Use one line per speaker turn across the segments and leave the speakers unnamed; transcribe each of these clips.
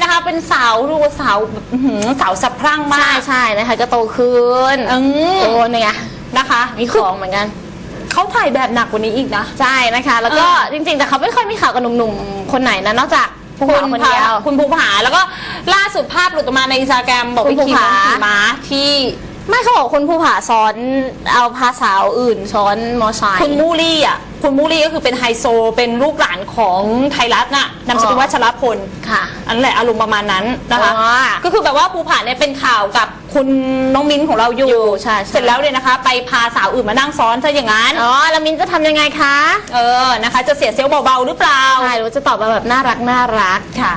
นะคะเป็นสาวดูสาวสาวสะพรั่งมาก
ใช่นะคะก็โตขึ้นโตเนี่ย
นะคะ
มีของเหมือนกัน
เขาถ่ายแบบหนักกว่านี้อีกนะ
ใช่นะคะแล้วก็จริงๆแต่เขาไม่ค่อยมีข่าวกับหนุ่มๆคนไหนนะนอกจากภูผาคนเดียว
คุณภูผาแล้วก็ล่าสุดภาพหลุดออกมาในอินสตาแกรมบอกไปขี่ม้าที่
ไม่เขาบอกคุณภูผาซ้อนเอาพาสาวอื่นซ้อนมอไซค์
คุณมูลี่อ่ะคุณมูลี่ก็คือเป็นไฮโซเป็นลูกหลานของไทยรัฐน่ะนามสกุลวัชรพล
ค่ะ
อันแหละอารมณ์ประมาณนั้นนะคะก็คือแบบว่าภูผาเนี่ยเป็นข่าวกับคุณน้องมิ้นของเราอยู่
ใช่
เสร็จแล้วเนี่ยนะคะไปพาสาวอื่นมานั่งซ้อนซะอย่างนั้น
แล้วมิ้นจะทำยังไงคะ
นะคะจะเสียเซลล์เบาๆหรือเปล่า
ใช่หรือจะตอบมาแบบน่ารัก
ค่ะ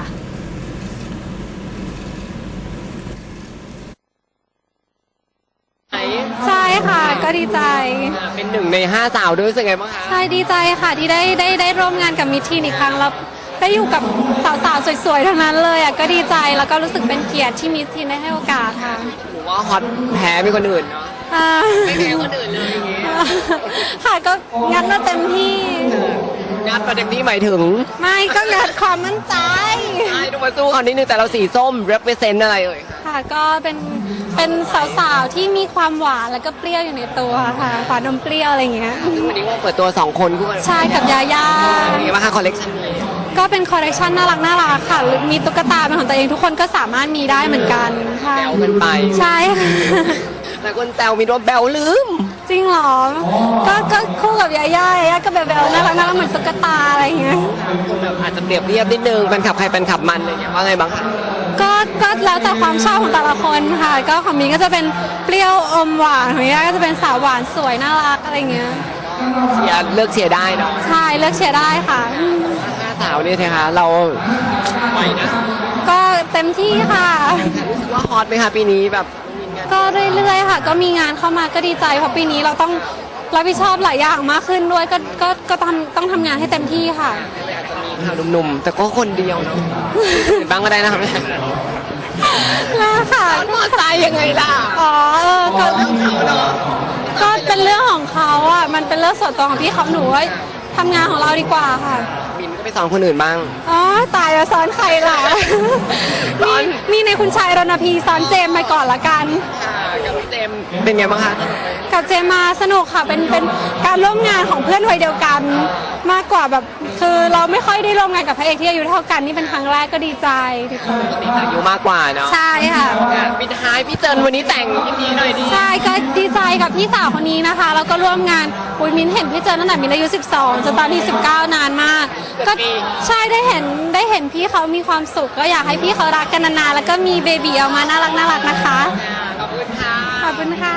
ใช่ค่ะก็ดีใจ
เป็น1 ใน 5สาวด้วยรู้สึกไงบ้างคะ
ใช่ดีใจค่ะที่ได้ร่วมงานกับมิทีนอีกครั้งแล้วได้อยู่กับสาวๆสวยๆทั้งนั้นเลยก็ดีใจแล้วก็รู้สึกเป็นเกียรติที่มิทีนได้ให้โอกาสค่ะ
หรือว่าฮอตแพ้มีคนอื่นเนาะไม่แพ้คนอื่นเลย
ค่ะก็งัดมาเต็มที่
งัดมาเต็มที่หมายถึง
ไม่ก็งัดความมั่นใจ
ใช่ดูมาสู้เขานิดนึงแต่เราสีส้ม represent อะไรเอ่ย
ค่ะก็เป็นสาวๆที่มีความหวานแล้วก็เปรี้ยวอยู่ในตัวค่ะหวานนมเปรี้ยวอะไรอย่างเงี้ย
วันนี้ว่าเปิดตัว2คนคู่กัน
ใช่กับยาย่า
เป็นไงบ้างคะคอลเลคชันนี้
ก็เป็นคอลเลคชันน่ารักค่ะมีตุ๊กตาเป็นของตัวเองทุกคนก็สามารถมีได้เหมือนกัน
แบลกันไป
ใช่
แต่คนแซวมีว่าแบลลืม
จริงเหรอก็คู่กับยาย่าก็แบบแบลน่ารักเหมือนตุ๊กตาอะไรอย่างเงี้ย
แบบอาจจะเปรียบเทียบนิดนึงเป็นขับใครเป็นขับมันอะไรอย่างเงี้ยว่าไงบ้างคะ
ก็แล้วแต่ความชอบของแต่ละคนค่ะก็ของมีก็จะเป็นเปรี้ยวอมหวานของย่าก็จะเป็นสาวหวานสวยน่ารักอะไรเงี้ย
เลือกเชียร์ได้เนาะ
ใช่เลือกเชียร์ได้ค่ะ
5สาวนี่สิคะเราไหวนะ
ก็เต็มที่ค่ะ
รู้สึกว่าฮอตไหมคะปีนี้แบบ
ก็เรื่อยๆค่ะก็มีงานเข้ามาก็ดีใจเพราะปีนี้เราต้องรับผิดชอบหลายอย่างมากขึ้นด้วยก็ต้องทำงานให้เต็มที่ค่ะ
อาจจะมีข่าวหนุ่มๆแต่ก็คนเดียวเนาะบ้างก็ได้นะคะ
ค่ะ
มอใจยังไงล่ะ
ก็เป็นเรื่องของเขาอ่ะมันเป็นเรื่องส่วนตัวของพี่เขาหนูว่าทำงานของเราดีกว่าค่ะ
บินก็ไปสอนคนอื่นบ้าง
ตายแล้วสอนใครล่ะมีในคุณชายรณพีสอนเจมมาก่อนละกัน
กับเจมเป็นไงบ้างคะ
กับเจมมาสนุกค่ะเป็นการร่วมงานของเพื่อนวัยเดียวกันมากกว่าแบบคือเราไม่ค่อยได้ร่วมงานกับพระเอกที่อายุเท่ากันนี่เป็นครั้งแรกก็ดีใจ
อายุมากกว่าเนาะ
ใช่ค่ะ
ปิดท้ายพี่เจินวันนี้แต่งยินดีหน่อยดี
ใช่ก็ดีใจกับพี่สาวคนนี้นะคะแล้วก็ร่วมงานมิ้นเห็นพี่เจินตั้งแต่มิ้นอายุ12จนตอนนี้19นานมากก็ใช่ได้เห็นพี่เขามีความสุขก็อยากให้พี่เขารักกันนานๆแล้วก็มีเบบีออกมาน่ารักนะคะ
ขอบคุณค่ะ
ขอบคุณค่ะ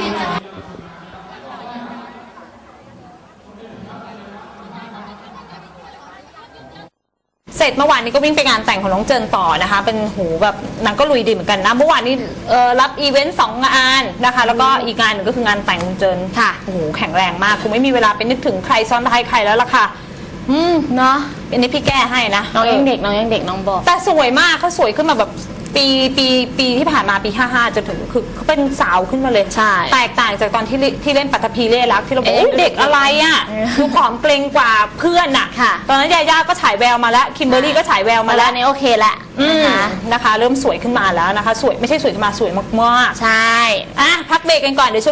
เสร็จเมื่อวานนี้ก็วิ่งไปงานแต่งของน้องเจินต่อนะคะเป็นหูแบบนางก็ลุยดีเหมือนกันนะเมื่อวานนี้รับอีเวนต์2 งานนะคะแล้วก็อีกงานหนึ่งก็คืองานแต่งของเจิน
ค่ะ
โอ้โหแข็งแรงมากคงไม่มีเวลาไปนึกถึงใครซ้อนท้ายใครแล้วล่ะค่ะเนาะอันนี้พี่แก้ให้นะ
น้องยังเด็กน้องบอก
แต่สวยมากเขาสวยขึ้นมาแบบปีที่ผ่านมาปี55จนถึงคือเขาเป็นสาวขึ้นมาเลย
ใช่
แตกต่างจากตอนที่เล่นปัตภีเล่รักที่เราบอกเด็กอะไรอ่ะดูผอมเกรงกว่าเพื่อนอ่ะตอนนั้นยาย่าก็ฉายแววมาแล้วคิมเบอร์รี่ก็ฉายแววมาแล้ว
นี่โอเคแหละ
นะคะเริ่มสวยขึ้นมาแล้วนะคะสวยไม่ใช่สวยขึ้นมาสวยมาก
ๆใช่
พักเบรกกันก่อนเดี๋ยว